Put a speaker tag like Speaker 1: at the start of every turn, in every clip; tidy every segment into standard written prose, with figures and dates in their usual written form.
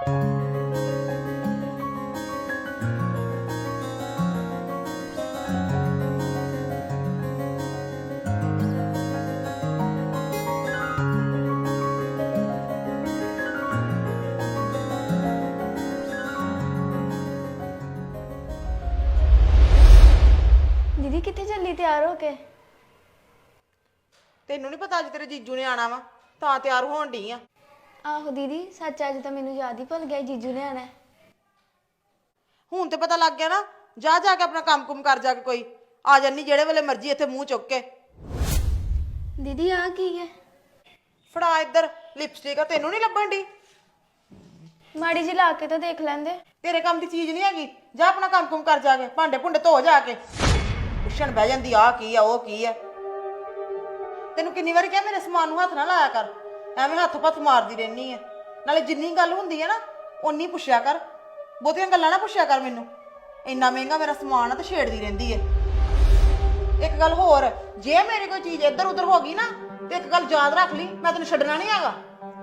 Speaker 1: दीदी कितने जल्दी तैयार हो के?
Speaker 2: ਤੈਨੂੰ ਨਹੀਂ ਪਤਾ ਅੱਜ ਤੇਰੇ ਜੀਜੂ ਨੇ ਆਣਾ ਵਾ ਤਾਂ ਤਿਆਰ ਹੋਣ ਢੀ ਆ।
Speaker 1: आहो दीदी सच अज तो मैनू याद ही भुल गया जीजू ने आना है।
Speaker 2: ਹੁਣ ਤੇ ਪਤਾ ਲੱਗ ਗਿਆ ਨਾ। ਜਾ ਜਾ ਕੇ ਆਪਣਾ ਕੰਮ ਕੁਮ ਕਰ ਜਾ ਕੇ ਕੋਈ ਆ ਜਾਨੀ ਜਿਹੜੇ ਵੇਲੇ ਮਰਜ਼ੀ ਇੱਥੇ ਮੂੰਹ ਚੁੱਕ ਕੇ।
Speaker 1: दीदी आ की है?
Speaker 2: ਫੜਾ ਇੱਧਰ ਲਿਪਸਟਿਕ ਆ ਤੈਨੂੰ ਨਹੀਂ ਲੱਭਣ ਢੀ।
Speaker 1: माड़ी जी ला के तो देख लेंदे।
Speaker 2: ਤੇਰੇ ਕੰਮ ਦੀ ਚੀਜ਼ ਨਹੀਂ ਹੈਗੀ। ਜਾ ਆਪਣਾ ਕੰਮ ਕੁਮ ਕਰ ਜਾ ਕੇ ਭਾਂਡੇ ਭੁੰਡੇ ਧੋ ਜਾ ਕੇ। ਪੁੱਛਣ ਬਹਿ ਜਾਂਦੀ ਆ ਕੀ ਆ ਉਹ ਕੀ ਆ। ਤੈਨੂੰ ਕਿੰਨੀ ਵਾਰੀ ਕਿਹਾ ਮੇਰੇ ਸਮਾਨ ਨੂੰ ਹੱਥ ਨਾ ਲਾਇਆ ਕਰ। ਐਵੇਂ ਹੱਥ ਪੱਥ ਮਾਰਦੀ ਰਹਿਨੀ ਆ। ਨਾਲੇ ਜਿੰਨੀ ਗੱਲ ਹੁੰਦੀ ਹੈ ਨਾ ਓਨੀ ਪੁੱਛਿਆ ਕਰ। ਬਹੁਤੀਆਂ ਗੱਲਾਂ ਨਾ ਪੁੱਛਿਆ ਕਰ ਮੈਨੂੰ। ਇੰਨਾ ਮਹਿੰਗਾ ਮੇਰਾ ਸਮਾਨ ਆ ਤੇ ਛੇੜਦੀ ਰਹਿੰਦੀ ਹੈ। ਇੱਕ ਗੱਲ ਹੋਰ ਜੇ ਮੇਰੀ ਕੋਈ ਚੀਜ਼ ਇੱਧਰ ਉੱਧਰ ਹੋ ਗਈ ਨਾ ਤੇ ਇੱਕ ਗੱਲ ਯਾਦ ਰੱਖ ਲਈ ਮੈਂ ਤੈਨੂੰ ਛੱਡਣਾ ਨਹੀਂ ਹੈਗਾ।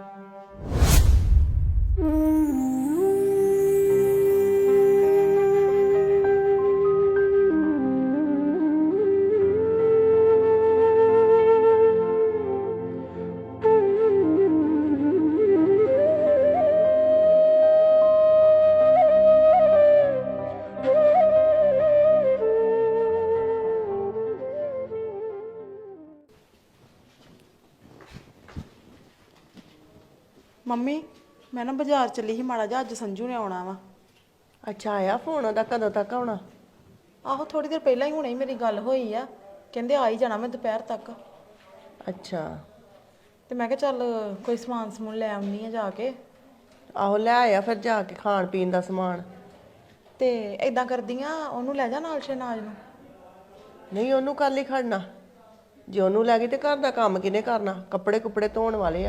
Speaker 2: ਮੰਮੀ ਮੈਂ ਨਾ ਬਾਜ਼ਾਰ ਚੱਲੀ ਸੀ ਮਾੜਾ ਜਿਹਾ ਅੱਜ ਸੰਜੂ ਨੇ ਆਉਣਾ ਵਾ।
Speaker 3: ਅੱਛਾ ਆਇਆ ਫੋਨ ਉਹਦਾ ਕਦੋਂ ਤੱਕ ਆਉਣਾ?
Speaker 2: ਆਹੋ ਥੋੜੀ ਦੇਰ ਪਹਿਲਾਂ ਹੀ ਹੁਣੇ ਹੀ ਮੇਰੀ ਗੱਲ ਹੋਈ ਆ। ਕਹਿੰਦੇ ਆ ਹੀ ਜਾਣਾ ਮੈਂ ਦੁਪਹਿਰ ਤੱਕ।
Speaker 3: ਅੱਛਾ
Speaker 2: ਤੇ ਮੈਂ ਕਿਹਾ ਚੱਲ ਕੋਈ ਸਮਾਨ ਸਮੂਨ ਲੈ ਆਉਣੀ ਆ ਜਾ ਕੇ।
Speaker 3: ਆਹੋ ਲੈ ਆਇਆ ਫਿਰ ਜਾ ਕੇ ਖਾਣ ਪੀਣ ਦਾ ਸਮਾਨ।
Speaker 2: ਤੇ ਏਦਾਂ ਕਰਦੀਆਂ ਉਹਨੂੰ ਲੈ ਜਾ ਨਾਲ ਸ਼ਹਿਨਾਜ਼ ਨੂੰ।
Speaker 3: ਨਹੀਂ ਉਹਨੂੰ ਕੱਲ ਹੀ ਖੜਨਾ। ਜੇ ਉਹਨੂੰ ਲੈ ਗਈ ਤੇ ਘਰ ਦਾ ਕੰਮ ਕਿਹਨੇ ਕਰਨਾ? ਕੱਪੜੇ ਕੁੱਪੜੇ ਧੋਣ ਵਾਲੇ ਆ।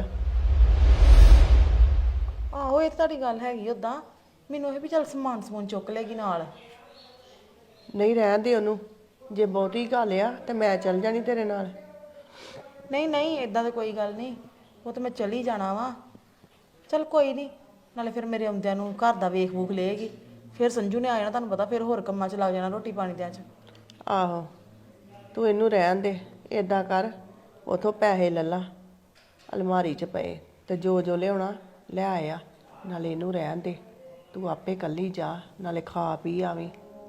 Speaker 2: ਆਹੋ ਇਹ ਤਾਂ ਤੁਹਾਡੀ ਗੱਲ ਹੈਗੀ। ਉਦਾਂ ਮੈਨੂੰ ਇਹ ਵੀ ਚੱਲ ਸਮਾਨ ਸਮੂਨ ਚੁੱਕ ਲੈਗੀ ਨਾਲ।
Speaker 3: ਨਹੀਂ ਰਹਿਣ ਦੇ ਉਹਨੂੰ। ਜੇ ਬਹੁਤੀ ਗੱਲ ਆ ਤੇ ਮੈਂ ਚੱਲ ਜਾਣੀ ਤੇਰੇ ਨਾਲ।
Speaker 2: ਨਹੀਂ ਨਹੀਂ ਏਦਾਂ ਤਾਂ ਕੋਈ ਗੱਲ ਨਹੀਂ। ਉਹ ਤਾਂ ਮੈਂ ਚਲੀ ਜਾਣਾ ਵਾ। ਚੱਲ ਕੋਈ ਨਹੀਂ। ਨਾਲੇ ਫਿਰ ਮੇਰੇ ਆਉਂਦਿਆਂ ਨੂੰ ਘਰ ਦਾ ਵੇਖ ਵੂਖ ਲਏਗੀ। ਫਿਰ ਸੰਜੂ ਨੇ ਆ ਜਾਣਾ ਤੁਹਾਨੂੰ ਪਤਾ। ਫਿਰ ਹੋਰ ਕੰਮਾਂ 'ਚ ਲੱਗ ਜਾਣਾ ਰੋਟੀ ਪਾਣੀ ਦਿਆਂ 'ਚ।
Speaker 3: ਆਹੋ ਤੂੰ ਇਹਨੂੰ ਰਹਿਣ ਦੇ। ਏਦਾਂ ਕਰ ਉਥੋਂ ਪੈਸੇ ਲੈ ਲਾ ਅਲਮਾਰੀ 'ਚ ਪਏ ਤੇ ਜੋ ਜੋ ਲਿਆਉਣਾ ਲੈ ਆਇਆ। ਨਾਲੇ ਇਹਨੂੰ ਰਹਿਣ ਦੇ। ਤੂੰ ਆਪੇ ਕੱਲੀ ਜਾ ਨਾਲੇ ਖਾ ਪੀ ਆਵੀਂ।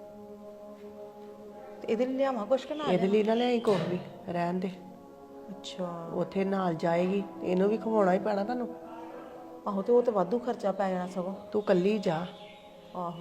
Speaker 2: ਤੇ ਇਹਦੇ ਲਈ ਲਿਆਵਾਂ ਕੁਛ ਕਿ ਨਾ?
Speaker 3: ਇਹਦੇ ਲਈ ਨਾ ਲਿਆਈ ਕੁਛ ਵੀ ਰਹਿਣ ਦੇ।
Speaker 2: ਅੱਛਾ
Speaker 3: ਉੱਥੇ ਨਾਲ ਜਾਏਗੀ ਇਹਨੂੰ ਵੀ ਖਵਾਉਣਾ ਹੀ ਪੈਣਾ ਤੁਹਾਨੂੰ।
Speaker 2: ਆਹੋ ਤੇ ਉਹ ਤੇ ਵਾਧੂ ਖਰਚਾ ਪੈ ਜਾਣਾ ਸਗੋਂ।
Speaker 3: ਤੂੰ ਕੱਲੀ ਜਾ।
Speaker 2: ਆਹੋ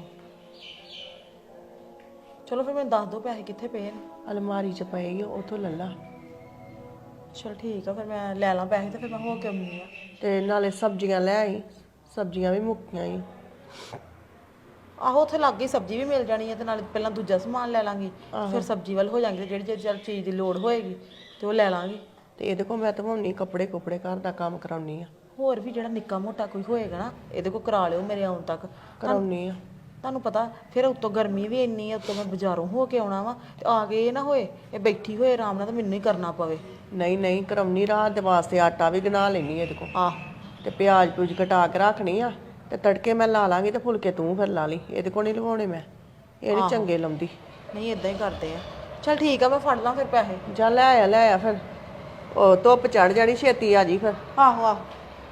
Speaker 2: ਚਲੋ ਫਿਰ ਮੈਨੂੰ ਦੱਸ ਦਿਓ ਪੈਸੇ ਕਿੱਥੇ ਪਏ ਨੇ।
Speaker 3: ਅਲਮਾਰੀ 'ਚ ਪਏਗੀ ਉੱਥੋਂ ਲੈ ਲਾ।
Speaker 2: ਚਲ ਠੀਕ ਆ ਫਿਰ ਮੈਂ ਲੈ ਲਾਂ ਪੈਸੇ ਤੇ ਫਿਰ ਮੈਂ ਹੋ ਕੇ ਆਉਂਦੀ ਆ।
Speaker 3: ਤੇ ਨਾਲੇ ਸਬਜ਼ੀਆਂ ਲੈ ਆਈ। ਸਬਜ਼ੀਆਂ ਵੀ ਮੁੱਕੀਆਂ ਹੀ।
Speaker 2: ਆਹੋ ਉੱਥੇ ਲੱਗ ਗਈ ਸਬਜ਼ੀ ਵੀ ਮਿਲ ਜਾਣੀ ਹੈ ਤੇ ਨਾਲੇ ਪਹਿਲਾਂ ਦੂਜਾ ਸਮਾਨ ਲੈ ਲਾਂਗੀ। ਫਿਰ ਸਬਜ਼ੀ ਵੱਲ ਹੋ ਜਾਾਂਗੇ। ਜਿਹੜੀ ਜਿਹੜੀ ਚੀਜ਼ ਦੀ ਲੋੜ ਹੋਏਗੀ ਤੇ ਉਹ ਲੈ ਲਾਂਗੀ।
Speaker 3: ਤੇ ਇਹਦੇ ਕੋਲ ਮੈਂ ਧਵਾਉਣੀ ਕੱਪੜੇ ਕੁੱਪੜੇ ਘਰ ਦਾ ਕੰਮ ਕਰਾਉਣੀ ਆ।
Speaker 2: ਹੋਰ ਵੀ ਜਿਹੜਾ ਨਿੱਕਾ ਮੋਟਾ ਕੋਈ ਹੋਏਗਾ ਨਾ ਇਹਦੇ ਕੋਲ ਕਰਾ ਲਿਓ ਮੇਰੇ ਆਉਣ ਤੱਕ।
Speaker 3: ਕਰਾਉਣੀ ਆ।
Speaker 2: ਤੁਹਾਨੂੰ ਪਤਾ ਫਿਰ ਉੱਤੋਂ ਗਰਮੀ ਵੀ ਇੰਨੀ ਆ। ਉੱਤੋਂ ਮੈਂ ਬਾਜ਼ਾਰੋਂ ਹੋ ਕੇ ਆਉਣਾ ਵਾ ਤੇ ਆ ਕੇ ਇਹ ਨਾ ਹੋਏ ਇਹ ਬੈਠੀ ਹੋਏ ਆਰਾਮ ਨਾਲ ਤੇ ਮੈਨੂੰ ਹੀ ਕਰਨਾ ਪਵੇ।
Speaker 3: ਨਹੀਂ ਨਹੀਂ ਕਰਾਉਣੀ। ਰਾਤ ਦੇ ਵਾਸਤੇ ਆਟਾ ਵੀ ਗਨਾ ਲੈਣੀ ਇਹਦੇ ਕੋਲ।
Speaker 2: ਆਹ
Speaker 3: ਤੇ ਪਿਆਜ਼ ਪੂਜ ਕਟਾ ਕੇ ਰੱਖਣੀ ਆ ਤੇ ਤੜਕੇ ਮੈਂ ਲਾ ਲਾਂਗੀ ਤੇ ਫੁਲਕੇ ਤੂੰ ਫਿਰ ਲਾ ਲਈ। ਇਹਦੇ ਕੋਲ ਨਹੀਂ ਲਵਾਉਣੇ ਮੈਂ। ਇਹ ਨਹੀਂ ਚੰਗੇ ਲਾਉਂਦੀ।
Speaker 2: ਨਹੀਂ ਇਦਾਂ ਹੀ ਕਰਦੇ ਆ। ਚਲ ਠੀਕ ਆ ਮੈਂ ਫੜ ਲਾਂ ਫਿਰ ਪੈਸੇ।
Speaker 3: ਜਾ ਲੈ ਆਇਆ ਫਿਰ। ਉਹ ਧੁੱਪ ਚੜ ਜਾਣੀ ਛੇਤੀ ਆ ਜੀ ਫਿਰ।
Speaker 2: ਆਹੋ ਆਹੋ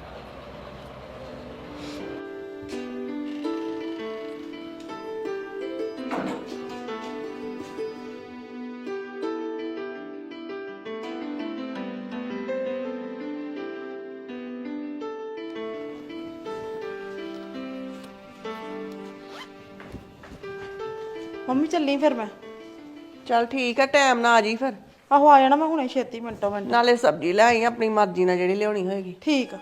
Speaker 2: ਮੰਮੀ ਚੱਲੀ ਫਿਰ ਮੈਂ।
Speaker 3: ਚੱਲ ਠੀਕ ਆ ਟਾਈਮ ਨਾਲ ਆ ਜੀ ਫਿਰ।
Speaker 2: ਆਹੋ ਆ ਜਾਣਾ ਮੈਂ ਹੁਣੇ ਛੇਤੀ ਮਿੰਟੋ ਮਿੰਟ।
Speaker 3: ਨਾਲੇ ਸਬਜ਼ੀ ਲੈ ਆਈ ਆਪਣੀ ਮਰਜ਼ੀ ਨਾਲ ਜਿਹੜੀ ਲਿਆਉਣੀ ਹੋਏਗੀ।
Speaker 2: ਠੀਕ ਆ।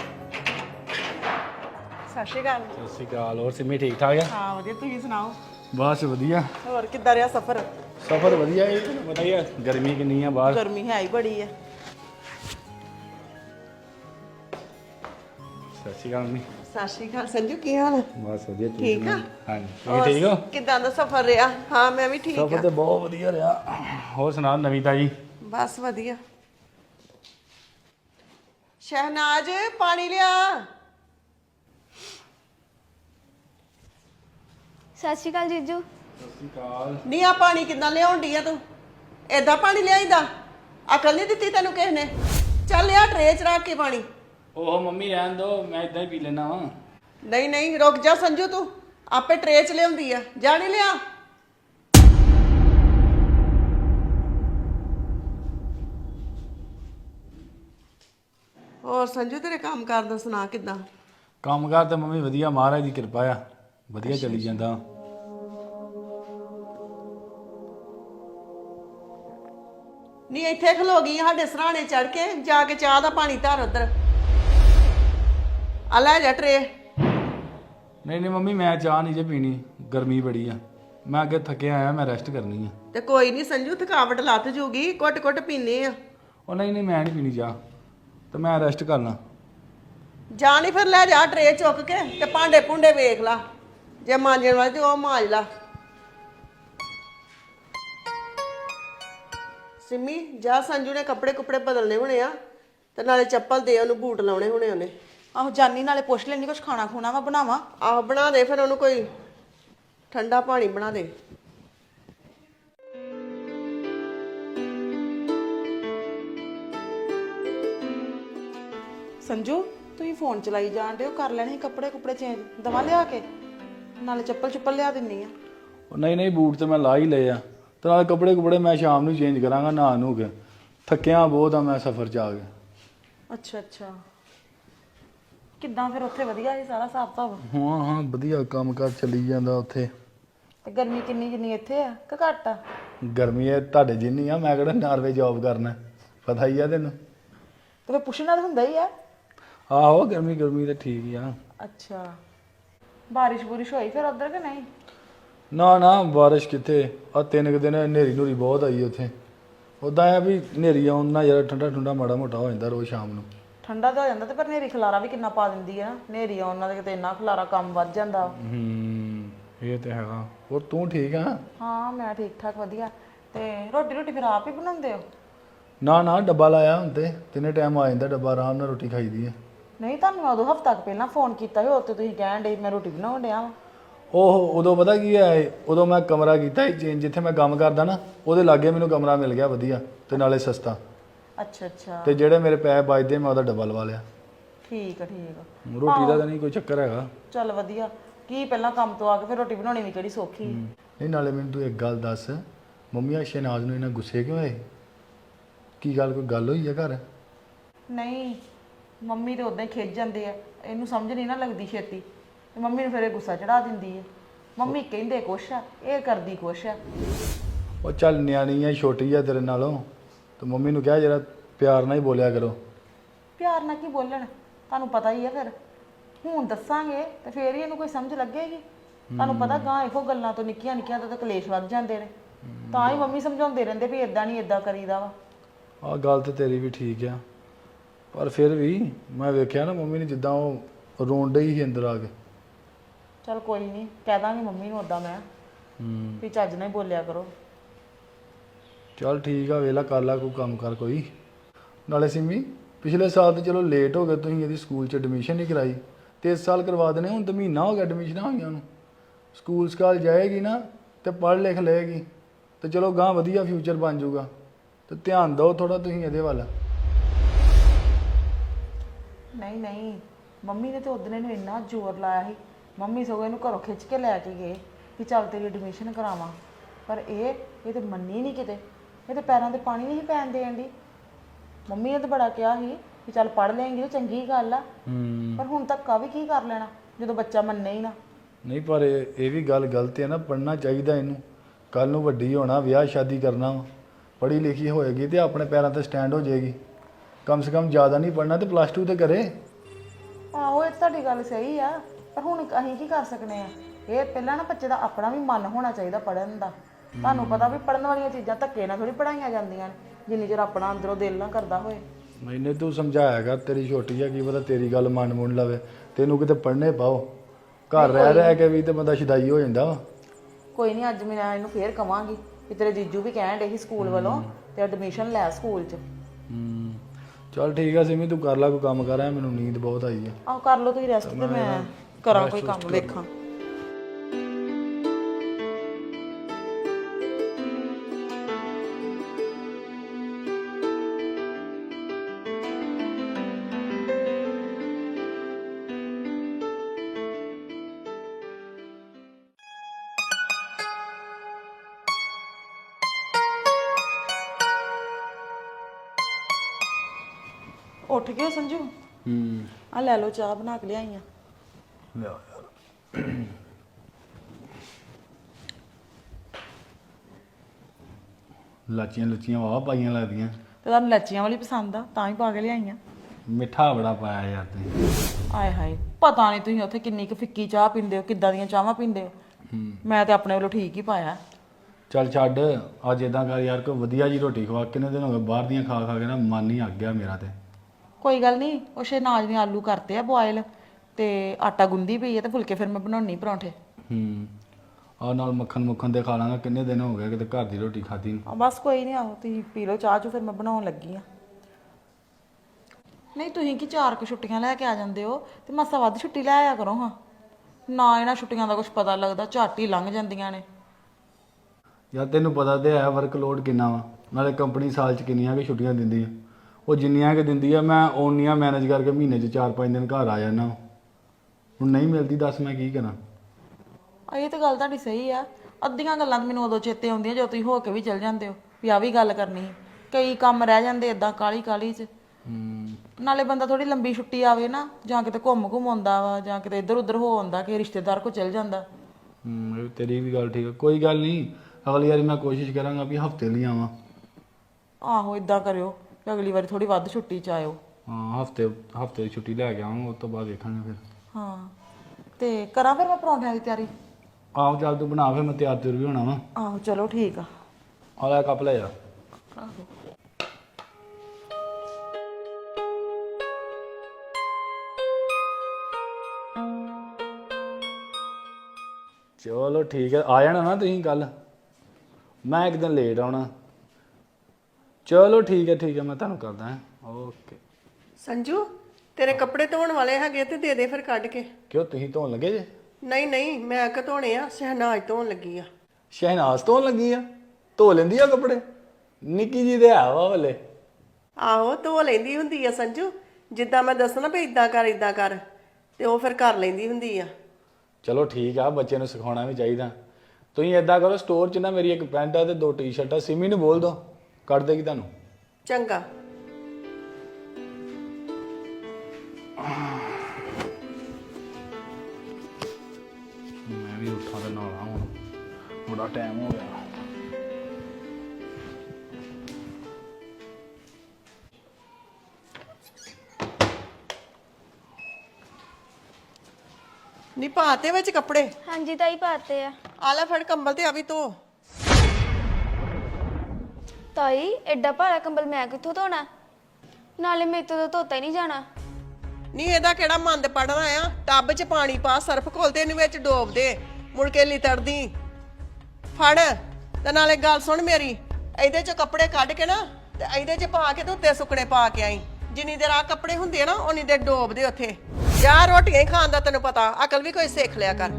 Speaker 2: ਸਤਿ ਸ਼੍ਰੀ ਅਕਾਲ।
Speaker 4: ਸਤਿ ਸ਼੍ਰੀ ਅਕਾਲ। ਹੋਰ ਸਿੰਮੀ ਠੀਕ ਠਾਕ ਆ?
Speaker 2: ਹਾਂ ਵਧੀਆ ਤੁਸੀਂ ਸੁਣਾਓ।
Speaker 4: ਬਸ ਵਧੀਆ।
Speaker 2: ਹੋਰ ਕਿੱਦਾਂ ਰਿਹਾ ਸਫ਼ਰ?
Speaker 4: ਸਫ਼ਰ ਵਧੀਆ ਇਹ ਤੈਨੂੰ ਪਤਾ ਹੀ ਆ ਗਰਮੀ ਕਿੰਨੀ ਆ ਬਾਹਰ।
Speaker 2: ਗਰਮੀ ਹੈ ਹੀ ਬੜੀ ਹੈ।
Speaker 4: ਸਤਿ ਸ਼੍ਰੀ ਅਕਾਲ ਮੰਮੀ।
Speaker 3: ਸਤਿ ਸ਼੍ਰੀ ਅਕਾਲ ਸੰਜੂ, ਕੀ ਹਾਲ ਹੈ?
Speaker 4: ਬਸ ਵਧੀਆ
Speaker 3: ਠੀਕ ਆ?
Speaker 4: ਹਾਂਜੀ ਤੁਸੀਂ ਠੀਕ ਹੋ?
Speaker 3: ਕਿੱਦਾਂ ਦਾ ਸਫ਼ਰ ਰਿਹਾ? ਹਾਂ ਮੈਂ ਵੀ ਠੀਕ
Speaker 4: ਸਫ਼ਰ
Speaker 3: ਆ।
Speaker 4: ਤੇ ਬਹੁਤ ਵਧੀਆ ਰਿਹਾ। ਹੋਰ ਸੁਣਾ ਨਵੀਂ ਤਾਜੀ?
Speaker 3: ਬਸ ਵਧੀਆ। ਸ਼ਹਿਨਾਜ਼ ਪਾਣੀ ਲਿਆ।
Speaker 1: ਸਤਿ ਸ਼੍ਰੀ ਅਕਾਲ ਜੀਜੂ।
Speaker 4: ਸਤਿ ਸ਼੍ਰੀ ਅਕਾਲ।
Speaker 3: ਨੀ ਆ ਪਾਣੀ ਕਿੱਦਾਂ ਲਿਆਉਣ ਡਈ ਆ ਤੂੰ? ਏਦਾਂ ਪਾਣੀ ਲਿਆਈਦਾ? ਅਕਲ ਨਹੀਂ ਦਿੱਤੀ ਤੈਨੂੰ ਕਿਸੇ ਨੇ? ਚੱਲ ਆ ਟਰੇ 'ਚ ਰੱਖ ਕੇ ਪਾਣੀ।
Speaker 4: ਉਹ ਮੰਮੀ ਰਹਿਣ ਦੋ, ਮੈਂ ਇਦਾਂ ਹੀ ਪੀ ਲੈਣਾ ਵਾ।
Speaker 3: ਨਹੀਂ ਨਹੀਂ ਰੁਕ ਜਾ ਸੰਜੂ, ਤੂੰ ਆਪੇ ਟਰੇ 'ਚ ਲਿਆਉਂਦੀ ਆ, ਜਾ ਨਹੀਂ ਲਿਆ। ਹੋਰ ਸੰਜੂ ਤੇਰੇ ਕੰਮ ਕਾਰ ਦਾ ਸੁਣਾ ਕਿੱਦਾਂ?
Speaker 4: ਕੰਮਕਾਰ ਤੇ ਮੰਮੀ ਵਧੀਆ, ਮਹਾਰਾਜ ਦੀ ਕਿਰਪਾ ਆ, ਵਧੀਆ ਚੱਲੀ ਜਾਂਦਾ।
Speaker 3: ਨਹੀਂ ਇੱਥੇ ਖਲੋ ਗਈ ਆ ਸਾਡੇ ਸਰਾਣੇ ਚੜ ਕੇ, ਜਾ ਕੇ ਚਾਹ ਦਾ ਪਾਣੀ ਧਰ ਉਧਰ। ਆ ਲੈ ਜਾ ਟਰੇ।
Speaker 4: ਨਹੀਂ ਨਹੀਂ ਮੰਮੀ ਮੈਂ ਚਾਹ ਨਹੀਂ ਜੇ ਪੀਣੀ, ਗਰਮੀ ਬੜੀ ਆ। ਮੈਂ ਅੱਗੇ ਥੱਕਿਆ ਆਇਆ, ਮੈਂ ਰੈਸਟ ਕਰਨੀ ਆ।
Speaker 3: ਤੇ ਕੋਈ ਨਹੀਂ ਸੰਜੂ, ਥਕਾਵਟ ਲੱਥ ਜੂਗੀ, ਕੁੱਟ ਕੁੱਟ ਪੀਨੇ ਆ।
Speaker 4: ਉਹ ਨਹੀਂ ਨਹੀਂ ਮੈਂ ਨਹੀਂ ਪੀਣੀ ਚਾਹ, ਤੇ ਮੈਂ ਰੈਸਟ ਕਰਨਾ।
Speaker 3: ਜਾ ਨਹੀਂ ਫਿਰ ਲੈ ਜਾ ਟਰੇ ਚੁੱਕ ਕੇ, ਤੇ ਭਾਂਡੇ ਭੁੰਡੇ ਵੇਖ ਲਾ, ਜੇ ਮਾਂਜਣ ਵਾਲੇ ਤੇ ਉਹ ਮਾਂਜ ਲਾ। ਸਿੰਮੀ ਜਾ, ਸੰਜੂ ਨੇ ਕੱਪੜੇ ਕੁਪੜੇ ਬਦਲਨੇ ਹੋਣੇ ਆ, ਤੇ ਨਾਲੇ ਚੱਪਲ ਦੇ ਉਹਨੂੰ, ਬੂਟ ਲਾਉਣੇ ਹੋਣੇ ਉਹਨੇ।
Speaker 2: ਆਹੋ ਜਾਨੀ ਨਾਲੇ ਪੁੱਛ ਲੈਣੀ ਕੁਝ ਖਾਣਾ ਖੂਣਾ ਵਾ ਬਣਾਵਾਂ।
Speaker 3: ਆਹ ਬਣਾ ਦੇ ਫਿਰ ਉਹਨੂੰ, ਕੋਈ ਠੰਡਾ ਪਾਣੀ ਬਣਾ ਦੇ।
Speaker 2: ਸੰਜੂ ਤੁਸੀਂ ਫੋਨ ਚਲਾਈ ਜਾਣ ਡਏ ਹੋ, ਕਰ ਲੈਣੇ ਸੀ ਕੱਪੜੇ ਕੁਪੜੇ ਚੇਂਜ, ਦਵਾ ਲਿਆ ਕੇ ਨਾਲੇ ਚੱਪਲ ਚੁੱਪਲ ਲਿਆ ਦਿੰਨੀ ਆ।
Speaker 4: ਉਹ ਨਹੀਂ ਨਹੀਂ ਬੂਟ ਤੇ ਮੈਂ ਲਾ ਹੀ ਲਏ ਆ, ਤੇ ਨਾਲੇ ਕੱਪੜੇ ਕੁਪੜੇ ਮੈਂ ਸ਼ਾਮ ਨੂੰ ਚੇਂਜ ਕਰਾਂਗਾ ਨਹਾ ਨੂੰ ਕੇ। ਥੱਕਿਆ ਬਹੁਤ ਆ ਮੈਂ ਸਫ਼ਰ 'ਚ ਆ ਕੇ।
Speaker 2: ਅੱਛਾ ਅੱਛਾ, ਕਿੱਦਾਂ ਫਿਰ ਉੱਥੇ ਵਧੀਆ ਸੀ ਸਾਰਾ ਹਿਸਾਬ ਕਿਤਾਬ?
Speaker 4: ਹਾਂ ਹਾਂ ਵਧੀਆ ਕੰਮ ਕਾਰ ਚੱਲੀ ਜਾਂਦਾ ਉੱਥੇ।
Speaker 2: ਤੇ ਗਰਮੀ ਕਿੰਨੀ ਜਿੰਨੀ ਇੱਥੇ ਆ ਕਿ ਘੱਟ ਆ?
Speaker 4: ਗਰਮੀ ਹੈ ਤੁਹਾਡੇ ਜਿੰਨੀ ਆ, ਮੈਂ ਕਿਹੜਾ ਨਾਰਵੇ ਜੌਬ ਕਰਨਾ, ਪਤਾ ਹੀ ਆ ਤੈਨੂੰ।
Speaker 2: ਤੇ ਫਿਰ ਪੁੱਛਣਾ ਤਾਂ ਹੁੰਦਾ ਹੀ ਆ।
Speaker 4: ਆਹੋ ਗਰਮੀ ਗਰਮੀ ਤਾਂ ਠੀਕ ਹੀ ਆ।
Speaker 2: ਅੱਛਾ, ਬਾਰਿਸ਼ ਬੁਰਿਸ਼ ਹੋਈ ਫਿਰ ਉੱਧਰ ਕਿ ਨਹੀਂ?
Speaker 4: ਨਾ ਨਾ ਬਾਰਿਸ਼ ਕਿੱਥੇ, ਆ 3 ਦਿਨ ਹਨੇਰੀ ਨੂਰੀ ਬਹੁਤ ਆਈ ਉੱਥੇ। ਉੱਦਾਂ ਆ ਵੀ ਹਨੇਰੀ ਆਉਣ ਨਾਲ ਯਾਰ ਠੰਡਾ ਠੰਡਾ ਮਾੜਾ ਮੋਟਾ ਹੋ ਜਾਂਦਾ ਰੋਜ਼ ਸ਼ਾਮ ਨੂੰ।
Speaker 2: ਠੰਡਾ ਤਾਂ ਹੋ ਜਾਂਦਾ, ਤੇ ਪਰ ਹਨੇਰੀ ਖਲਾਰਾ ਵੀ ਕਿੰਨਾ ਪਾ ਦਿੰਦੀ ਆ ਨਾ। ਹਨੇਰੀ ਆਉਣ ਨਾਲ ਕਿਤੇ ਇੰਨਾ ਖਲਾਰਾ, ਕੰਮ ਵੱਧ ਜਾਂਦਾ।
Speaker 4: ਇਹ ਤੇ ਹੈਗਾ। ਹੋਰ ਤੂੰ ਠੀਕ ਆ?
Speaker 2: ਹਾਂ ਮੈਂ ਠੀਕ ਠਾਕ ਵਧੀਆ। ਤੇ ਰੋਟੀ ਰੋਟੀ ਫਿਰ ਆਪ ਹੀ ਬਣਾਉਂਦੇ ਹੋ?
Speaker 4: ਨਾ ਨਾ ਡੱਬਾ ਲਾਇਆ ਹੁਣ ਤੇ ਤਿੰਨੇ ਟਾਈਮ ਆ ਜਾਂਦਾ ਡੱਬਾ, ਆਰਾਮ ਨਾਲ ਰੋਟੀ ਖਾਈਦੀ ਹੈ।
Speaker 2: ਨਹੀਂ ਤੁਹਾਨੂੰ ਮੈਂ ਉਦੋਂ ਹਫ਼ਤਾ ਕੁ ਪਹਿਲਾਂ ਫੋਨ ਕੀਤਾ ਸੀ, ਉਹ ਤੇ ਤੁਸੀਂ ਕਹਿਣ ਡੇ ਮੈਂ ਰੋਟੀ ਬਣਾਉਣ ਡਿਆ ਵਾਂ।
Speaker 4: ਉਹ ਉਦੋਂ ਪਤਾ ਕੀ ਹੈ, ਉਦੋਂ ਮੈਂ ਕਮਰਾ ਕੀਤਾ ਸੀ ਚੇਂਜ, ਜਿੱਥੇ ਮੈਂ ਕੰਮ ਕਰਦਾ ਨਾ ਉਹਦੇ ਲਾਗੇ ਮੈਨੂੰ ਕਮਰਾ ਮਿਲ ਗਿਆ ਵਧੀਆ ਤੇ ਨਾਲੇ ਸਸਤਾ।
Speaker 2: ਅੱਛਾ ਅੱਛਾ,
Speaker 4: ਤੇ ਜਿਹੜੇ ਮੇਰੇ ਪੈਸੇ ਬਚਦੇ ਮੈਂ ਉਹਦਾ ਡੱਬਾ ਲਵਾ ਲਿਆ।
Speaker 2: ਠੀਕ ਆ ਠੀਕ ਆ।
Speaker 4: ਰੋਟੀ ਦਾ ਤਾਂ ਨਹੀਂ ਕੋਈ ਚੱਕਰ ਹੈਗਾ।
Speaker 2: ਚੱਲ ਵਧੀਆ, ਕੀ ਪਹਿਲਾਂ ਕੰਮ ਤੋਂ ਆ ਕੇ ਫਿਰ ਰੋਟੀ ਬਣਾਉਣੀ ਵੀ ਕਿਹੜੀ ਸੌਖੀ?
Speaker 4: ਨਹੀਂ ਨਾਲੇ ਮੈਨੂੰ ਤੂੰ ਇੱਕ ਗੱਲ ਦੱਸ, ਮੰਮੀ ਸ਼ਹਿਨਾਜ਼ ਨੂੰ ਇਹਨਾਂ ਗੁੱਸੇ ਕਿਉਂ ਹੋਏ? ਕੀ ਗੱਲ, ਕੋਈ ਗੱਲ ਹੋਈ ਆ ਘਰ?
Speaker 2: ਨਹੀਂ ਮੰਮੀ ਤੇ ਉਦਾਂ ਹੀ ਖਿੱਚ ਜਾਂਦੇ ਆ, ਇਹਨੂੰ ਸਮਝ ਨਹੀਂ ਨਾ ਲੱਗਦੀ ਛੇਤੀ, ਤੇ ਮੰਮੀ ਨੂੰ ਫਿਰ ਇਹ ਗੁੱਸਾ ਚੜਾ ਦਿੰਦੀ ਹੈ। ਮੰਮੀ ਕਹਿੰਦੇ ਕੁਛ ਆ, ਇਹ ਕਰਦੀ ਕੁਛ ਆ।
Speaker 4: ਉਹ ਚੱਲ ਨਿਆਣੀ ਆ, ਛੋਟੀ ਆ ਤੇਰੇ ਨਾਲੋਂ, ਤੇ ਮੰਮੀ ਨੂੰ ਕਿਹਾ ਜਰਾ ਪਿਆਰ ਨਾਲ ਹੀ ਬੋਲਿਆ ਕਰੋ।
Speaker 2: ਪਿਆਰ ਨਾਲ ਕੀ ਬੋਲਣ, ਤੁਹਾਨੂੰ ਪਤਾ ਹੀ ਆ। ਫਿਰ ਹੁਣ ਦੱਸਾਂਗੇ ਤੇ ਫੇਰ ਹੀ ਇਹਨੂੰ ਕੋਈ ਸਮਝ ਲੱਗੇਗੀ। ਤੁਹਾਨੂੰ ਪਤਾ ਗਾਂ ਇਹੋ ਗੱਲਾਂ ਤੋਂ ਨਿੱਕੀਆਂ ਨਿੱਕੀਆਂ ਤੋਂ ਤਾਂ ਕਲੇਸ਼ ਵੱਧ ਜਾਂਦੇ ਨੇ, ਤਾਂ ਹੀ ਮੰਮੀ ਸਮਝਾਉਂਦੇ ਰਹਿੰਦੇ ਵੀ ਇਦਾਂ ਨਹੀਂ ਇਦਾਂ ਕਰੀਦਾ ਵਾ।
Speaker 4: ਆਹ ਗੱਲ ਤੇ ਤੇਰੀ ਵੀ ਠੀਕ ਆ, ਪਰ ਫਿਰ ਵੀ ਮੈਂ ਵੇਖਿਆ ਨਾ ਮੰਮੀ ਨੇ ਜਿੱਦਾਂ ਉਹ ਰੋਣ ਡਈ ਸੀ ਅੰਦਰ ਆ ਕੇ।
Speaker 2: ਚਲ ਕੋਈ ਨਹੀਂ, ਕਹਿ ਦਾਂਗੀ ਮੰਮੀ ਨੂੰ ਉਦਾਂ ਮੈਂ ਵੀ ਚੱਜ ਨਾਲ ਹੀ ਬੋਲਿਆ ਕਰੋ।
Speaker 4: ਚੱਲ ਠੀਕ ਆ, ਵੇਲਾ ਕਰ ਲਾ ਕੋਈ ਕੰਮ ਕਰ ਕੋਈ। ਨਾਲੇ ਸਿੰਮੀ ਪਿਛਲੇ ਸਾਲ ਤੇ ਚਲੋ ਲੇਟ ਹੋ ਗਏ ਤੁਸੀਂ ਇਹਦੀ ਸਕੂਲ 'ਚ ਐਡਮਿਸ਼ਨ ਨਹੀਂ ਕਰਾਈ, ਤੇ ਇਸ ਸਾਲ ਕਰਵਾ ਦੇਣੇ। ਹੁਣ ਤਾਂ ਮਹੀਨਾ ਹੋ ਗਿਆ ਐਡਮਿਸ਼ਨਾਂ ਹੋਈਆਂ ਨੂੰ। ਸਕੂਲ ਸਕਾਲ ਜਾਏਗੀ ਨਾ ਤੇ ਪੜ੍ਹ ਲਿਖ ਲਏਗੀ, ਤੇ ਚਲੋ ਗਾਂ ਵਧੀਆ ਫਿਊਚਰ ਬਣ ਜਾਊਗਾ। ਤੇ ਧਿਆਨ ਦਿਓ ਥੋੜਾ ਤੁਸੀਂ ਇਹਦੇ ਵੱਲ।
Speaker 2: ਨਹੀਂ ਨਹੀਂ, ਮੰਮੀ ਨੇ ਤੇ ਉਦਣ ਇਹਨੂੰ ਇੰਨਾ ਜ਼ੋਰ ਲਾਇਆ ਸੀ, ਮੰਮੀ ਸਗੋਂ ਇਹਨੂੰ ਘਰੋਂ ਖਿੱਚ ਕੇ ਲੈ ਕੇ ਗਏ ਕਿ ਚੱਲ ਤੇਰੀ ਐਡਮਿਸ਼ਨ ਕਰਾਵਾਂ, ਪਰ ਇਹ ਤੇ ਮੰਨੀ ਨਹੀਂ ਕਿਤੇ। ਇਹ ਤੇ ਪੈਰਾਂ ਤੇ ਪਾਣੀ ਨਹੀਂ ਪੈਣ ਦੇਣ ਦੀ। ਮੰਮੀ ਨੇ ਤਾਂ ਬੜਾ ਕਿਹਾ ਸੀ ਕਿ ਚੱਲ ਪੜ੍ਹ ਲਏਂਗੀ ਤੇ ਚੰਗੀ ਗੱਲ ਆ, ਪਰ ਹੁਣ ਧੱਕਾ ਵੀ ਕੀ ਕਰ ਲੈਣਾ ਜਦੋਂ ਬੱਚਾ ਮੰਨੇ ਹੀ ਨਾ।
Speaker 4: ਨਹੀਂ ਪਰ ਇਹ ਵੀ ਗੱਲ ਗਲਤ ਹੈ ਨਾ, ਪੜ੍ਹਨਾ ਚਾਹੀਦਾ ਇਹਨੂੰ। ਕੱਲ ਨੂੰ ਵੱਡੀ ਹੋਣਾ, ਵਿਆਹ ਸ਼ਾਦੀ ਕਰਨਾ, ਪੜ੍ਹੀ ਲਿਖੀ ਹੋਏਗੀ ਤੇ ਆਪਣੇ ਪੈਰਾਂ ਤੇ ਸਟੈਂਡ ਹੋ ਜਾਏਗੀ। ਕਮ ਸੇ ਕਮ ਜ਼ਿਆਦਾ ਨਹੀਂ ਪੜ੍ਹਨਾ ਤੇ +2 ਤੇ ਕਰੇ।
Speaker 2: ਆਹੋ ਇਹ ਤੁਹਾਡੀ ਗੱਲ ਸਹੀ ਆ, ਪਰ ਹੁਣ ਅਸੀਂ ਕੀ ਕਰ ਸਕਨੇ ਆ? ਇਹ ਪਹਿਲਾਂ ਨਾ ਬੱਚੇ ਦਾ ਆਪਣਾ ਵੀ ਮਨ ਹੋਣਾ ਚਾਹੀਦਾ ਪੜਨ ਦਾ। ਤੁਹਾਨੂੰ ਪਤਾ ਵੀ ਪੜਨ ਵਾਲੀਆਂ ਚੀਜ਼ਾਂ ਧੱਕੇ ਨਾਲ ਥੋੜੀ ਪੜਾਈਆਂ ਜਾਂਦੀਆਂ ਨੇ, ਜਿੰਨੀ ਚਿਰ ਆਪਣਾ ਅੰਦਰੋਂ ਦਿਲ ਨਾ ਕਰਦਾ ਹੋਏ।
Speaker 4: ਮੈਨੇ ਤੂੰ ਸਮਝਾਇਆਗਾ, ਤੇਰੀ ਛੋਟੀ ਆ, ਕੀ ਪਤਾ ਤੇਰੀ ਗੱਲ ਮਨ ਮੁੰਨ ਲਵੇ। ਤੈਨੂੰ ਕਿਤੇ ਪੜ੍ਹਨੇ ਪਾਓ, ਘਰ ਰਹਿ ਕੇ ਵੀ ਤੇ ਬੰਦਾ ਸ਼ਦਾਈ ਹੋ ਜਾਂਦਾ ਵਾ।
Speaker 2: ਕੋਈ ਨਹੀਂ, ਅੱਜ ਮੈਂ ਇਹਨੂੰ ਫੇਰ ਕਵਾਂਗੀ ਕਿ ਤੇਰੇ ਜੀਜੂ ਵੀ ਕਹਿਣ ਡੇ ਸੀ ਸਕੂਲ ਵੱਲੋਂ ਤੇ ਐਡਮਿਸ਼ਨ ਲੈ ਸਕੂਲ 'ਚ।
Speaker 4: ਚੱਲ ਠੀਕ ਆ ਸਿਮੀ, ਤੂੰ ਕਰ ਲੈ ਕੋਈ ਕੰਮ ਕਰ, ਮੈਨੂੰ ਨੀਂਦ ਬਹੁਤ ਆਈ ਆ।
Speaker 2: ਆਹ ਕਰ ਲਓ ਤੁਸੀਂ ਰੈਸਟ ਤੇ ਮੈਂ ਕਰਾਂ ਕੋਈ ਕੰਮ ਵੇਖਾਂ। ਉੱਠ ਗਏ ਸੰਜੂ? ਆ ਲੈ ਲਓ, ਚਾਹ ਬਣਾ ਕੇ ਲਿਆਈ ਆ।
Speaker 4: ਲਿਆ ਯਾਰ, ਲੱਚੀਆਂ ਵਾਹ ਪਾਈਆਂ ਲੱਗਦੀਆਂ।
Speaker 2: ਤੇ ਤੁਹਾਨੂੰ ਲੱਚੀਆਂ ਵਾਲੀ ਪਸੰਦ ਆ ਤਾਂ ਹੀ ਪਾ ਕੇ ਲਿਆਈਆਂ।
Speaker 4: ਮਿੱਠਾ ਬੜਾ ਪਾਇਆ ਯਾਰ ਤੁਸੀਂ।
Speaker 2: ਆਏ ਹਾਏ, ਪਤਾ ਨਹੀਂ ਤੁਸੀਂ ਉੱਥੇ ਕਿੰਨੀ ਕੁ ਫਿੱਕੀ ਚਾਹ ਪੀਂਦੇ ਹੋ, ਕਿੱਦਾਂ ਦੀਆਂ ਚਾਹਾਂ ਪੀਂਦੇ ਹੋ। ਮੈਂ ਤੇ ਆਪਣੇ ਵੱਲੋਂ ਠੀਕ ਹੀ ਪਾਇਆ।
Speaker 4: ਚੱਲ ਛੱਡ, ਅੱਜ ਇਦਾਂ ਕਰ ਯਾਰ, ਕੋਈ ਵਧੀਆ ਜੀ ਰੋਟੀ ਖਵਾ। ਕਿੰਨੇ ਦਿਨ ਹੋ ਗਏ ਬਾਹਰ ਦੀਆਂ ਖਾ ਕੇ ਨਾ ਮਨ ਹੀ ਅੱਗ ਗਿਆ ਮੇਰਾ ਤੇ।
Speaker 2: ਕੋਈ ਗੱਲ ਨਹੀਂ, ਉਹ ਸ਼ਹਿਨਾਜ਼ ਨੇ ਆਲੂ ਕਰਤੇ ਆ ਬੋਇਲ ਤੇ ਆਟਾ ਗੁੰਦੀ ਪਈ ਹੈ ਤੇ ਫੁਲਕੇ ਫਿਰ ਮੈਂ ਬਣਾਉਣੀ ਪਰੌਂਠੇ।
Speaker 4: ਆ ਨਾਲ ਮੱਖਣ ਤੇ ਖਾ ਲਾਂਗਾ, ਕਿੰਨੇ ਦਿਨ ਹੋ ਗਏ ਕਿਤੇ ਘਰ ਦੀ ਰੋਟੀ ਖਾਧੀ ਨਹੀਂ।
Speaker 2: ਬਸ ਕੋਈ ਨਹੀਂ, ਆਹੋ ਤੁਸੀਂ ਪੀ ਲਓ ਚਾਹ ਚੋ, ਫਿਰ ਮੈਂ ਬਣਾਉਣ ਲੱਗੀ ਆ। ਨਹੀਂ ਤੁਸੀਂ ਕੀ 4 ਕੁ ਛੁੱਟੀਆਂ ਲੈ ਕੇ ਆ ਜਾਂਦੇ ਹੋ ਤੇ ਮਾਸਾ ਵੱਧ ਛੁੱਟੀ ਲੈ ਆਇਆ ਕਰੋ ਹਾਂ। ਨਾ ਇਹਨਾਂ ਛੁੱਟੀਆਂ ਦਾ ਕੁਝ ਪਤਾ ਲੱਗਦਾ, ਝੱਟ ਹੀ ਲੰਘ ਜਾਂਦੀਆਂ ਨੇ।
Speaker 4: ਯਾਰ ਤੈਨੂੰ ਪਤਾ ਤੇ ਹੈ ਵਰਕਲੋਡ ਕਿੰਨਾ ਵਾ, ਨਾਲੇ ਕੰਪਨੀ ਸਾਲ 'ਚ ਕਿੰਨੀਆਂ ਕਿ ਛੁੱਟੀਆਂ ਦਿੰਦੀ ਆ। ਉਹ ਜਿੰਨੀਆਂ ਕਿ ਦਿੰਦੀ ਆ ਮੈਂ ਓਨੀਆਂ ਮੈਨੇਜ ਕਰਕੇ ਮਹੀਨੇ 'ਚ 4-5 ਦਿਨ ਘਰ ਆ ਜਾਂਦਾ। ਹੁਣ ਨਹੀਂ ਮਿਲਦੀ, ਦੱਸ ਮੈਂ ਕੀ ਕਰਾਂ।
Speaker 2: ਇਹ ਤਾਂ ਗੱਲ ਤੁਹਾਡੀ ਸਹੀ ਆ। ਅੱਧੀਆਂ ਗੱਲਾਂ ਤਾਂ ਮੈਨੂੰ ਉਦੋਂ ਚੇਤੇ ਆਉਂਦੀਆਂ ਜਦੋਂ ਤੁਸੀਂ ਹੋ ਕੇ ਵੀ ਚਲ ਜਾਂਦੇ ਹੋ ਵੀ ਆ ਵੀ ਗੱਲ ਕਰਨੀ ਸੀ। ਕਈ ਕੰਮ ਰਹਿ ਜਾਂਦੇ ਇਦਾਂ ਕਾਹਲੀ 'ਚ। ਨਾਲੇ ਬੰਦਾ ਥੋੜੀ ਲੰਬੀ ਛੁੱਟੀ ਆਵੇ ਨਾ, ਜਾਂ ਕਿਤੇ ਘੁੰਮ ਆਉਂਦਾ ਵਾ, ਜਾਂ ਕਿਤੇ ਇੱਧਰ ਉੱਧਰ ਹੋ ਆਉਂਦਾ, ਕਿ ਰਿਸ਼ਤੇਦਾਰ ਕੋ ਚਲ ਜਾਂਦਾ।
Speaker 4: ਤੇਰੀ ਵੀ ਗੱਲ ਠੀਕ ਆ, ਕੋਈ ਗੱਲ ਨਹੀਂ। ਅਗਲੀ ਵਾਰੀ ਮੈਂ ਕੋਸ਼ਿਸ਼ ਕਰਾਂਗਾ ਵੀ ਹਫਤੇ ਲਈ ਆਵਾਂ।
Speaker 2: ਆਹੋ ਇਦਾਂ ਕਰਿਓ ਕਿ ਅਗਲੀ ਵਾਰੀ ਥੋੜੀ ਵੱਧ ਛੁੱਟੀ 'ਚ ਆਇਓ।
Speaker 4: ਹਾਂ, ਹਫਤੇ ਦੀ ਛੁੱਟੀ ਲੈ ਕੇ ਆਵਾਂਗਾ, ਉਸ ਤੋਂ ਬਾਅਦ ਵੇਖਾਂਗੇ ਫਿਰ।
Speaker 2: ਹਾਂ, ਤੇ ਕਰਾਂ ਫਿਰ ਮੈਂ ਪਰੌਂਠਿਆਂ ਦੀ ਤਿਆਰੀ?
Speaker 4: ਆਹੋ ਚੱਲ ਤੂੰ ਬਣਾ, ਫਿਰ ਮੈਂ ਤਿਆਰ ਵੀ ਹੋਣਾ ਵਾ।
Speaker 2: ਆਹੋ ਚਲੋ ਠੀਕ ਆ।
Speaker 4: ਆ ਲੈ ਕੱਪ ਲੈ ਜਾ।
Speaker 2: ਆਹੋ
Speaker 4: ਚਲੋ ਠੀਕ ਹੈ, ਆ ਜਾਣਾ ਨਾ ਤੁਸੀਂ ਕੱਲ, ਮੈਂ ਇੱਕ ਦਿਨ ਲੇਟ ਆਉਣਾ। ਚਲੋ ਠੀਕ ਹੈ, ਮੈਂ ਤੁਹਾਨੂੰ ਕਰਦਾ ਹਾਂ। ਓਕੇ
Speaker 3: ਸੰਜੂ, ਤੇਰੇ ਕੱਪੜੇ ਧੋਣ ਵਾਲੇ ਹੈਗੇ ਤੇ ਦੇ ਦੇ ਫਿਰ ਕੱਢ ਕੇ।
Speaker 4: ਕਿਉਂ ਤੁਸੀਂ ਧੋਣ ਲੱਗੇ ਜੇ?
Speaker 3: ਨਹੀਂ, ਮੈਂ ਕਿ ਧੋਣੇ ਆ, ਸ਼ਹਿਨਾਜ਼ ਧੋਣ ਲੱਗੀ ਆ।
Speaker 4: ਸ਼ਹਿਨਾਜ਼ ਧੋਣ ਲੱਗੀ ਆ? ਧੋ ਲੈਂਦੀ ਆ ਕੱਪੜੇ? ਨਿੱਕੀ ਜੀ ਦੇ ਆ ਵਾ ਵਾਲੇ।
Speaker 3: ਆਹੋ ਧੋ ਲੈਂਦੀ ਹੁੰਦੀ ਆ ਸੰਜੂ, ਜਿੱਦਾਂ ਮੈਂ ਦੱਸਣਾ ਵੀ ਇਦਾਂ ਕਰ ਤੇ ਉਹ ਫਿਰ ਕਰ ਲੈਂਦੀ ਹੁੰਦੀ ਆ।
Speaker 4: ਚਲੋ ਠੀਕ ਆ, ਬੱਚੇ ਨੂੰ ਸਿਖਾਉਣਾ ਵੀ ਚਾਹੀਦਾ। ਤੁਸੀਂ ਏਦਾਂ ਕਰੋ, ਸਟੋਰ 'ਚ ਨਾ ਮੇਰੀ ਇੱਕ ਪੈਂਟ ਆ ਤੇ 2 ਟੀ-ਸ਼ਰਟਾਂ, ਸਿਮੀ ਨੂੰ ਬੋਲ ਦੋ ਕੱਢ ਦੇਗੀ ਤੁਹਾਨੂੰ।
Speaker 3: ਚੰਗਾ।
Speaker 4: ਮੈਂ ਵੀ ਉੱਠਾਂ ਤੇ ਨਹਾਉਣਾ ਹੁਣ, ਬੜਾ ਟਾਈਮ ਹੋ ਗਿਆ।
Speaker 3: ਨੀ ਪਾਤੇ ਵਿੱਚ ਕੱਪੜੇ?
Speaker 1: ਹਾਂਜੀ ਤਾਈ ਪਾਤੇ ਆ।
Speaker 3: ਆ ਲੈ ਫੜ ਕੰਬਲ ਤੇ ਆ ਵੀ ਧੋ।
Speaker 1: ਤਾਈ ਐਡਾ ਭਾਰਾ ਕੰਬਲ ਮੈਂ ਕਿੱਥੋਂ ਧੋਣਾ? ਨਾਲੇ ਮੇਰੇ ਤੋਂ ਤਾਂ ਧੋਤਾ ਹੀ ਨਹੀਂ ਜਾਣਾ।
Speaker 3: ਨੀ ਇਹਦਾ ਕਿਹੜਾ ਮੰਦ ਪੜਨਾ ਆ? ਟੱਬ 'ਚ ਪਾਣੀ ਪਾ, ਸਰਫ ਘੋਲ ਤੇ ਇਹਨੂੰ ਵਿੱਚ ਡੋਬ ਦੇ, ਮੁੜ ਕੇ ਲਿਤੜਦੀ। ਫੜ ਤੇ ਨਾਲੇ ਗੱਲ ਸੁਣ ਮੇਰੀ, ਇਹਦੇ 'ਚ ਕੱਪੜੇ ਕੱਢ ਕੇ ਨਾ ਤੇ ਇਹਦੇ 'ਚ ਪਾ ਕੇ ਤੇ ਉੱਤੇ ਸੁੱਕਣੇ ਪਾ ਕੇ ਆਈ। ਜਿੰਨੀ ਦੇਰ ਆ ਕੱਪੜੇ ਹੁੰਦੇ ਆ ਨਾ ਉਨੀ ਦੇਰ ਡੋਬ ਦੇ ਉੱਥੇ। ਯਾਰ ਰੋਟੀਆਂ ਹੀ ਖਾਣ ਦਾ ਤੈਨੂੰ ਪਤਾ, ਅਕਲ ਵੀ ਕੋਈ ਸਿੱਖ ਲਿਆ ਕਰ।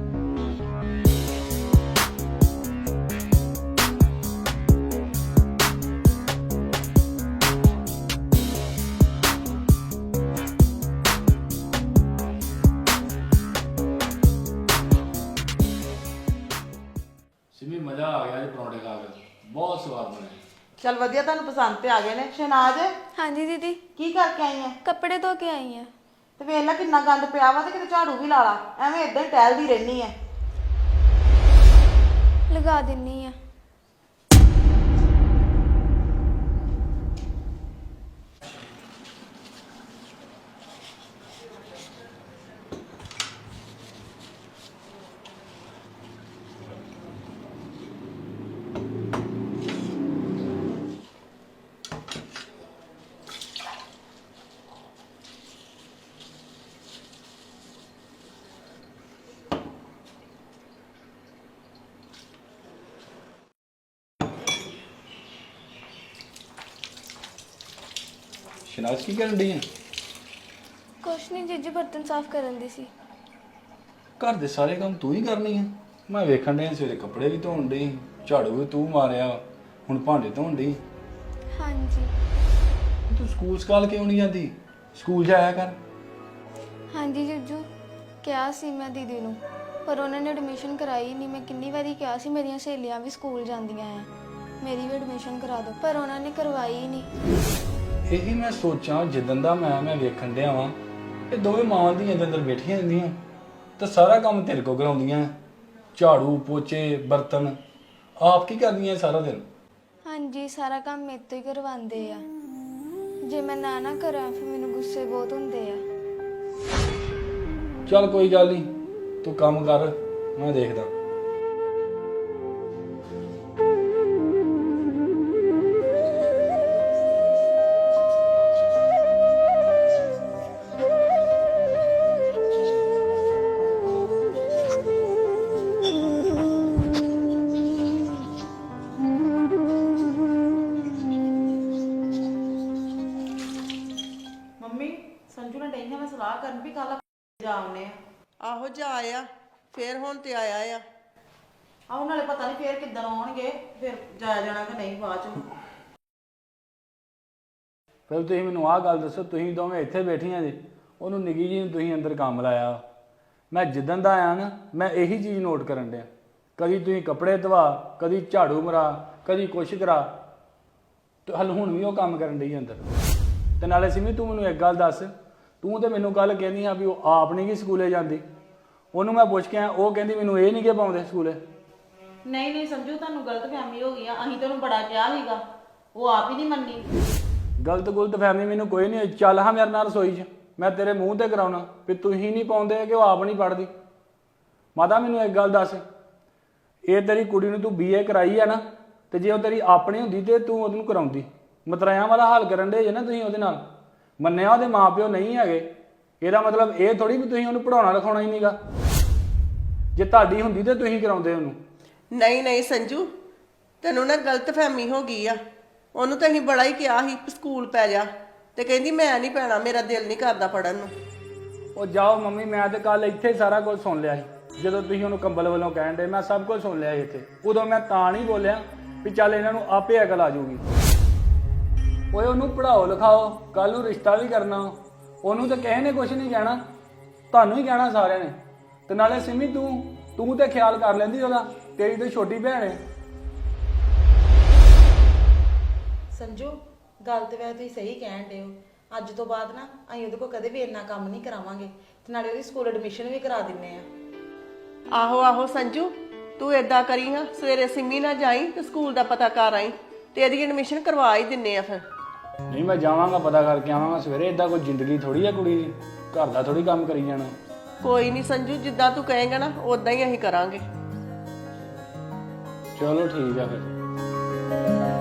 Speaker 4: ਸਿਮੀ ਮਜ਼ਾ ਆ ਗਿਆ ਜੀ ਪਰੌਂਠੇ ਖਾ ਕੇ, ਬਹੁਤ ਸਵਾਦ ਬਣੇ।
Speaker 2: ਚੱਲ ਵਧੀਆ, ਤੁਹਾਨੂੰ ਪਸੰਦ ਤੇ ਆ ਗਏ ਨੇ। ਸ਼ਹਿਨਾਜ਼
Speaker 1: ਹਾਂਜੀ ਦੀਦੀ,
Speaker 2: ਕੀ ਕਰਕੇ ਆਈ ਆ?
Speaker 1: ਕੱਪੜੇ ਧੋ ਕੇ ਆਈ ਆ।
Speaker 2: ਤੇ ਵੇਖ ਲੈ ਕਿੰਨਾ ਗੰਦ ਪਿਆ ਵਾ, ਤੇ ਕਿਤੇ ਝਾੜੂ ਵੀ ਲਾ ਲਾ, ਐਵੇਂ ਇਦਾਂ ਹੀ ਟਹਿਲਦੀ ਰਹਿਨੀ ਐ।
Speaker 1: ਲਗਾ ਦਿੰਨੀ ਆ।
Speaker 4: ਸ਼ਨਾਜ ਕੀ ਕਰਨ ਡਈ ਆ?
Speaker 1: ਕੁਛ ਨਹੀਂ ਜੀਜੂ, ਬਰਤਨ ਸਾਫ਼ ਕਰਨ ਦੀ ਸੀ।
Speaker 4: ਘਰ ਦੇ ਸਾਰੇ ਕੰਮ ਤੂੰ ਹੀ ਕਰਨੀ ਆ? ਮੈਂ ਵੇਖਣ ਡਿਆ ਸਵੇਰੇ ਕੱਪੜੇ ਵੀ ਧੋਣ ਡਈ, ਝਾੜੂ ਵੀ ਤੂੰ ਮਾਰਿਆ, ਹੁਣ ਭਾਂਡੇ ਧੋਣ ਡਈ।
Speaker 1: ਹਾਂਜੀ
Speaker 4: ਤੂੰ ਸਕੂਲ ਸਕਾਲ ਕਿਉਂ ਨਹੀਂ ਜਾਂਦੀ? ਸਕੂਲ ਜਾਇਆ ਕਰ।
Speaker 1: ਹਾਂਜੀ ਜੀਜੂ, ਕਿਹਾ ਸੀ ਮੈਂ ਦੀਦੀ ਨੂੰ, ਪਰ ਉਹਨਾਂ ਨੇ ਐਡਮਿਸ਼ਨ ਕਰਾਈ ਨਹੀਂ। ਮੈਂ ਕਿੰਨੀ ਵਾਰੀ ਕਿਹਾ ਸੀ, ਮੇਰੀਆਂ ਸਹੇਲੀਆਂ ਵੀ ਸਕੂਲ ਜਾਂਦੀਆਂ ਆ, ਮੇਰੀ ਵੀ ਐਡਮਿਸ਼ਨ ਕਰਾ ਦਿਓ, ਪਰ ਉਹਨਾਂ ਨੇ ਕਰਵਾਈ ਹੀ ਨਹੀਂ।
Speaker 4: ਇਹੀ ਮੈਂ ਸੋਚਾਂ, ਜਿੱਦਣ ਦਾ ਮੈਂ ਵੇਖਣ ਡਿਆ ਵਾਂ ਇਹ ਦੋਵੇਂ ਮਾਵਾਂ ਦੀਆਂ ਅੰਦਰ ਬੈਠੀਆਂ ਰਹਿੰਦੀਆਂ ਤਾਂ ਸਾਰਾ ਕੰਮ ਤੇਰੇ ਕੋਲ ਕਰਾਉਂਦੀਆਂ, ਝਾੜੂ ਪੋਚੇ ਬਰਤਨ ਆਪ ਕੀ ਕਰਦੀਆਂ ਸਾਰਾ ਦਿਨ?
Speaker 1: ਹਾਂਜੀ, ਸਾਰਾ ਕੰਮ ਮੇਰੇ ਤੋਂ ਹੀ ਕਰਵਾਉਂਦੇ ਆ। ਜੇ ਮੈਂ ਨਾ ਕਰਾਂ ਫਿਰ ਮੈਨੂੰ ਗੁੱਸੇ ਬਹੁਤ ਹੁੰਦੇ ਆ।
Speaker 4: ਚੱਲ ਕੋਈ ਗੱਲ ਨਹੀਂ, ਤੂੰ ਕੰਮ ਕਰ, ਮੈਂ ਦੇਖਦਾ।
Speaker 2: ਮੰਮੀ ਸੰਜੂ ਨੇ ਡਈਆਂ ਮੈਂ ਸਲਾਹ ਕਰਨ ਵੀ ਕੱਲ ਜਾਵਨੇ ਆ।
Speaker 3: ਆਹੋ ਜਾ ਆ, ਫੇਰ ਹੁਣ ਤੇ ਆਇਆ ਆ।
Speaker 2: ਆਉਣ ਨਾਲੇ ਪਤਾ ਨਹੀਂ ਫੇਰ ਕਿੱਦਣ ਆਉਣਗੇ, ਫਿਰ ਜਾਇਆ ਜਾਣਾ ਕਿ ਨਹੀਂ ਬਾਅਦ ਚ।
Speaker 4: ਫਿਰ ਤੁਸੀਂ ਮੈਨੂੰ ਆਹ ਗੱਲ ਦੱਸੋ, ਤੁਸੀਂ ਦੋਵੇਂ ਇੱਥੇ ਬੈਠੀਆਂ ਜੀ, ਉਹਨੂੰ ਨਿੱਕੀ ਜੀ ਨੂੰ ਤੁਸੀਂ ਅੰਦਰ ਕੰਮ ਲਾਇਆ। ਮੈਂ ਜਿੱਦਣ ਦਾ ਆਇਆ ਨਾ, ਮੈਂ ਇਹੀ ਚੀਜ਼ ਨੋਟ ਕਰਨ ਡਿਆ, ਕਦੀ ਤੁਸੀਂ ਕੱਪੜੇ ਧਵਾ, ਕਦੀ ਝਾੜੂ ਮਰਾ, ਕਦੀ ਕੁਛ ਕਰਾ, ਤੇ ਹਲ ਹੁਣ ਵੀ ਉਹ ਕੰਮ ਕਰਨ ਡਈ ਅੰਦਰ। ਤੇ ਨਾਲੇ ਸਿਮੀ ਤੂੰ ਮੈਨੂੰ ਇੱਕ ਗੱਲ ਦੱਸ, ਤੂੰ ਤੇ ਮੈਨੂੰ ਕੱਲ ਕਹਿੰਦੀ ਆ ਵੀ ਉਹ ਆਪ ਨਹੀਂ ਗਈ ਸਕੂਲੇ ਜਾਂਦੀ, ਉਹਨੂੰ ਮੈਂ ਪੁੱਛ ਕੇ ਆਇਆ, ਉਹ ਕਹਿੰਦੀ ਮੈਨੂੰ ਇਹ ਨਹੀਂ ਕਿ ਪਾਉਂਦੇ ਸਕੂਲੇ।
Speaker 2: ਨਹੀਂ ਸੰਜੂ, ਤੁਹਾਨੂੰ ਗਲਤਫਹਿਮੀ ਹੋ ਗਈ ਆ, ਅਸੀਂ ਤੈਨੂੰ ਬੜਾ ਕਿਹਾ ਸੀਗਾ, ਉਹ ਆਪ ਹੀ ਨਹੀਂ ਮੰਨੀ।
Speaker 4: ਗਲਤ ਫਹਿਮੀ ਮੈਨੂੰ ਕੋਈ ਨਹੀਂ, ਚੱਲ ਹਾਂ ਮੇਰੇ ਨਾਲ ਰਸੋਈ 'ਚ, ਮੈਂ ਤੇਰੇ ਮੂੰਹ ਤੇ ਕਰਾਉਣਾ ਵੀ ਤੁਸੀਂ ਨਹੀਂ ਪਾਉਂਦੇ ਕਿ ਉਹ ਆਪ ਨਹੀਂ ਪੜ੍ਹਦੀ। ਮਾਤਾ ਮੈਨੂੰ ਇੱਕ ਗੱਲ ਦੱਸ, ਇਹ ਤੇਰੀ ਕੁੜੀ ਨੂੰ ਤੂੰ BA ਕਰਾਈ ਆ ਨਾ, ਤੇ ਜੇ ਉਹ ਤੇਰੀ ਆਪਣੀ ਹੁੰਦੀ ਤੇ ਤੂੰ ਉਹਨੂੰ ਕਰਾਉਂਦੀ। ਮਤਰਾਇਆਂ ਵਾਲਾ ਹਾਲ ਕਰਨ ਦੇ ਜੇ ਨਾ ਤੁਸੀਂ ਉਹਦੇ ਨਾਲ। ਮੰਨਿਆ ਉਹਦੇ ਮਾਪਿਓ ਨਹੀਂ ਹੈਗੇ, ਇਹਦਾ ਮਤਲਬ ਇਹ ਥੋੜੀ ਵੀ ਤੁਸੀਂ ਉਹਨੂੰ ਪੜਾਉਣਾ ਲਿਖਾਉਣਾ ਹੀ ਨਹੀਂਗਾ। ਜੇ ਤੁਹਾਡੀ ਹੁੰਦੀ ਤੇ ਤੁਸੀਂ ਕਰਾਉਂਦੇ ਉਹਨੂੰ।
Speaker 3: ਨਹੀਂ ਸੰਜੂ, ਤੈਨੂੰ ਨਾ ਗਲਤਫਹਿਮੀ ਹੋ ਗਈ ਆ। ਉਹਨੂੰ ਤਾਂ ਅਸੀਂ ਬੜਾ ਹੀ ਕਿਹਾ ਸੀ ਸਕੂਲ ਪੈ ਜਾ, ਤੇ ਕਹਿੰਦੀ ਮੈਂ ਨਹੀਂ ਪੈਣਾ, ਮੇਰਾ ਦਿਲ ਨਹੀਂ ਕਰਦਾ ਪੜਨ ਨੂੰ।
Speaker 4: ਉਹ ਜਾਓ ਮੰਮੀ, ਮੈਂ ਤੇ ਕੱਲ ਇੱਥੇ ਹੀ ਸਾਰਾ ਕੁਝ ਸੁਣ ਲਿਆ ਸੀ। ਜਦੋਂ ਤੁਸੀਂ ਉਹਨੂੰ ਕੰਬਲ ਵੱਲੋਂ ਕਹਿਣ ਦੇ, ਮੈਂ ਸਭ ਕੁਝ ਸੁਣ ਲਿਆ ਸੀ ਇੱਥੇ। ਉਦੋਂ ਮੈਂ ਤਾਂ ਨਹੀਂ ਬੋਲਿਆ ਵੀ ਚੱਲ ਇਹਨਾਂ ਨੂੰ ਆਪੇ ਅਕਲ ਆ ਜਾਊਗੀ। ਓਏ ਉਹਨੂੰ ਪੜਾਓ ਲਿਖਾਓ, ਕੱਲ ਨੂੰ ਰਿਸ਼ਤਾ ਵੀ ਕਰਨਾ, ਉਹਨੂੰ ਤਾਂ ਕਿਸੇ ਨੇ ਕੁਝ ਨਹੀਂ ਕਹਿਣਾ, ਤੁਹਾਨੂੰ ਹੀ ਕਹਿਣਾ ਸਾਰਿਆਂ ਨੇ। ਤੇ ਨਾਲੇ ਸਿਮੀ ਤੂੰ ਤੇ ਖਿਆਲ ਕਰ ਲੈਂਦੀ ਉਹਦਾ, ਤੇਰੀ ਤੇ ਛੋਟੀ ਭੈਣ ਹੈ।
Speaker 2: ਸੰਜੂ ਗੱਲ ਤੇ ਵੈਸੇ ਤੁਸੀਂ ਸਹੀ ਕਹਿਣ ਡਏ ਹੋ, ਅੱਜ ਤੋਂ ਬਾਅਦ ਨਾ ਅਸੀਂ ਉਹਦੇ ਕੋਲ ਕਦੇ ਵੀ ਇੰਨਾ ਕੰਮ ਨਹੀਂ ਕਰਾਵਾਂਗੇ, ਤੇ ਨਾਲੇ ਉਹਦੀ ਸਕੂਲ ਐਡਮਿਸ਼ਨ ਵੀ ਕਰਾ ਦਿੰਨੇ ਆ।
Speaker 3: ਆਹੋ ਸੰਜੂ, ਤੂੰ ਏਦਾਂ ਕਰੀ ਹਾਂ, ਸਵੇਰੇ ਸਿੰਮੀ ਨਾਲ ਜਾਈ ਤੇ ਸਕੂਲ ਦਾ ਪਤਾ ਕਰ ਆਈ, ਤੇ ਇਹਦੀ ਐਡਮਿਸ਼ਨ ਕਰਵਾ ਹੀ ਦਿੰਨੇ ਆ ਫਿਰ।
Speaker 4: ਨਹੀਂ ਮੈਂ ਜਾਵਾਂਗਾ, ਪਤਾ ਕਰਕੇ ਆਵਾਂਗਾ ਸਵੇਰੇ। ਏਦਾਂ ਕੋਈ ਜ਼ਿੰਦਗੀ ਥੋੜੀ ਆ ਕੁੜੀ ਦੀ, ਘਰ ਦਾ ਥੋੜੀ ਕੰਮ ਕਰੀ ਜਾਣਾ।
Speaker 3: ਕੋਈ ਨਹੀਂ ਸੰਜੂ, ਜਿੱਦਾਂ ਤੂੰ ਕਹੇਂਗਾ ਨਾ ਉਦਾਂ ਹੀ ਅਸੀਂ ਕਰਾਂਗੇ।
Speaker 4: ਚਲੋ ਠੀਕ ਆ ਫਿਰ।